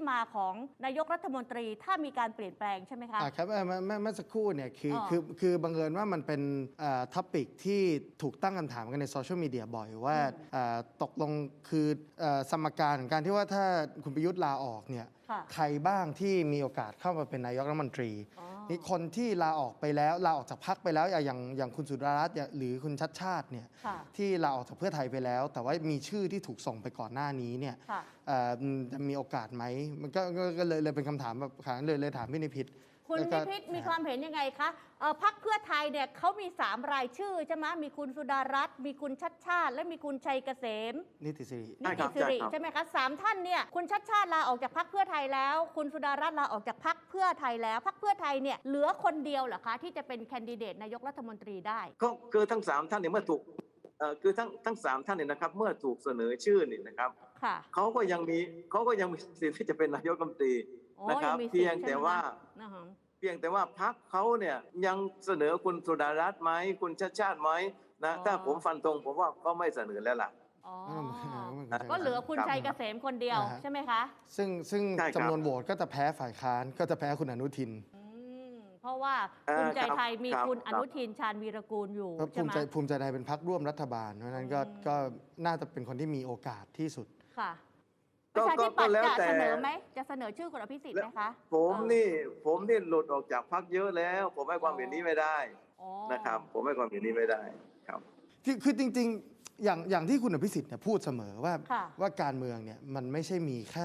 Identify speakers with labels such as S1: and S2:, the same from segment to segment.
S1: มาของนายกรัฐมนตรีถ้ามีการเปลี่ยนแปลงใช่ไหมคะ
S2: ครับเมื่อสักครู่เนี่ยคือบังเอิญว่ามันเป็นท็อปิกที่ถูกตั้งคำถามกันในโซเชียลมีเดียบ่อยว่าตกลงคือสมการของการที่ว่าถ้าคุณประยุทธ์ลาออกเนี่ยใครบ้างที่มีโอกาสเข้ามาเป็นนายกรัฐมนตรีนี่คนที่ลาออกไปแล้วลาออกจากพรรคไปแล้วอย่างคุณสุดารัตน์หรือคุณชัดชาติเนี่ยที่ลาออกจากเพื่อไทยไปแล้วแต่ว่ามีชื่อที่ถูกส่งไปก่อนหน้านี้เนี่ยจะมีโอกาสไหมมันก็เลยเป็นคำถามแบบเลยถามพี่นิพิษ
S1: คุณนิพิษมีความเห็นยังไงคะพรรคเพื่อไทยเนี่ยเขามี3 รายชื่อใช่ไหมมีคุณสุดารัตน์มีคุณชัดชาติและมีคุณชัยเกษม
S2: นิติสิ
S1: ริใช่ไหมคะ3 ท่านเนี่ยคุณชัดชาติลาออกจากพรรคเพื่อไทยแล้วคุณสุดารัตน์ลาออกจากพรรคเพื่อไทยแล้วพรรคเพื่อไทยเนี่ยเหลือคนเดียวเหรอคะที่จะเป็นแคนดิเดตนายกรัฐมนตรีได้
S3: ก็คือทั้ง3 ท่านเนี่ยเมื่อถูกคือทั้ง3 ท่านเนี่ยนะครับเมื่อถูกเสนอชื่อเนี่ยนะครับเขาก็ยังมีสิทธิ์ที่จะเป็นนายกรัฐมนตรีนะครับเพียงแต่ว่าพรรคเขาเนี่ยยังเสนอคุณสุดารัตน์ไหมคุณชัดชาติไหมนะถ้าผมฟันตรงผมว่าก็ไม่เสนอแล้วล่ะ
S1: ก็เหลือคุณชัยเกษมคนเดียวใช่ไหมคะ
S2: ซึ่งจำนวนโหวตก็จะแพ้ฝ่ายค้านก็จะแพ้คุณอนุทิน
S1: เพราะว่าภูมิใจไทยมีคุณอนุทินชาญวีรกูลอยู่ใช่ไหม
S2: ภูมิใจไทยเป็นพรรคร่วมรัฐบาลเพราะนั้นก็น่าจะเป็นคนที่มีโอกาสที่สุด
S1: ค่ะประชาธิปัตย์จะเสนอไหมจะเสนอชื่อคุณอภิสิทธิ์ไหมคะ
S3: ผมนี่หลุดออกจากพรรคเยอะแล้วผมให้ความเห็นนี้ไม่ได้นะครับผมให้ความเห็นนี้ไม่ได้ครับ
S2: คือจริงๆอย่างที่คุณอภิสิทธิ์เนี่ยพูดเสมอว่าการเมืองเนี่ยมันไม่ใช่มีแค่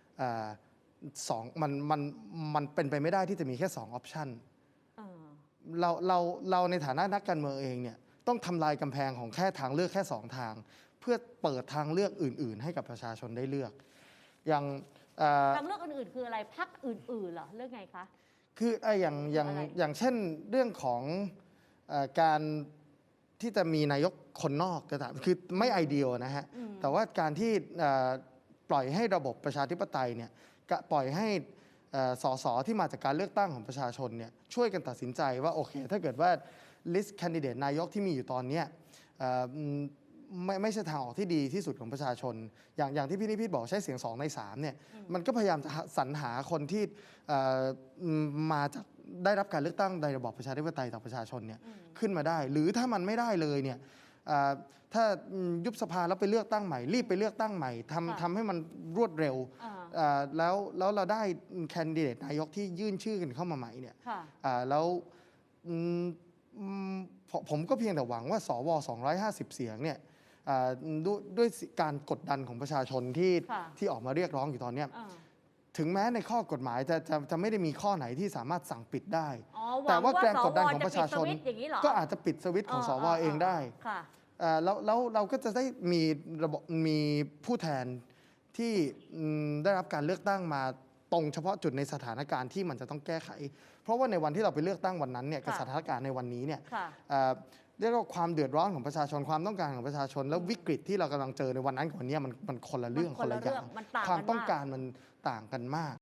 S2: มันเป็นไปไม่ได้ที่จะมีแค่2 ออปชันเราในฐานะนักการเมืองเองเนี่ยต้องทำลายกำแพงของแค่ทางเลือกแค่2 ทางเพื่อเปิดทางเลือกอื่นๆให้กับประชาชนได้เลือกอย่าง
S1: ทางเลือกอื่นๆคืออะไรพรรคอื่นๆเหรอเรื่องไงคะ
S2: คืออย่างเช่นเรื่องของการที่จะมีนายกคนนอกคือไม่ไอเดียนะฮะแต่ว่าการที่ปล่อยให้ระบบประชาธิปไตยเนี่ยปล่อยให้สสที่มาจากการเลือกตั้งของประชาชนเนี่ยช่วยกันตัดสินใจว่าโอเคถ้าเกิดว่าลิสต์แคนดิเดตนายกที่มีอยู่ตอนนี้ไม่ใช่ทางออกที่ดีที่สุดของประชาชนอย่างที่พี่นิพิษบอกใช้เสียง2 ใน 3เนี่ยมันก็พยายามจะสรรหาคนที่มาจากได้รับการเลือกตั้งในระบอบประชาธิปไตยจากประชาชนเนี่ยขึ้นมาได้หรือถ้ามันไม่ได้เลยเนี่ยถ้ายุบสภาแล้วไปเลือกตั้งใหม่รีบไปเลือกตั้งใหม่ทำให้มันรวดเร็วแล้วเราได้แคนดิเดตนายกที่ยื่นชื่อกันเข้ามาใหม่เนี่ยแล้วผมก็เพียงแต่หวังว่าสว250 เสียงเนี่ยด้วยการกดดันของประชาชนที่ออกมาเรียกร้องอยู่ตอนนี้ถึงแม้ในข้อกฎหมายจะไม่ได้มีข้อไหนที่สามารถสั่งปิดได้แต่ว่าแรงกดดันของประชาชนก็อาจจะปิดสวิตช์ของสวเองได้แล้วเราก็จะได้มีผู้แทนที่ได้รับการเลือกตั้งมาตรงเฉพาะจุดในสถานการณ์ที่มันจะต้องแก้ไขเพราะว่าในวันที่เราไปเลือกตั้งวันนั้นเนี่ยกับสถานการณ์ในวันนี้เนี่ยเรียกว่าความเดือดร้อนของประชาชนความต้องการของประชาชนแล้ววิกฤตที่เรากำลังเจอในวันนั้นกับวันนี้มันคนละเรื่องคนละอย่างความต้องการมันต่างกันมาก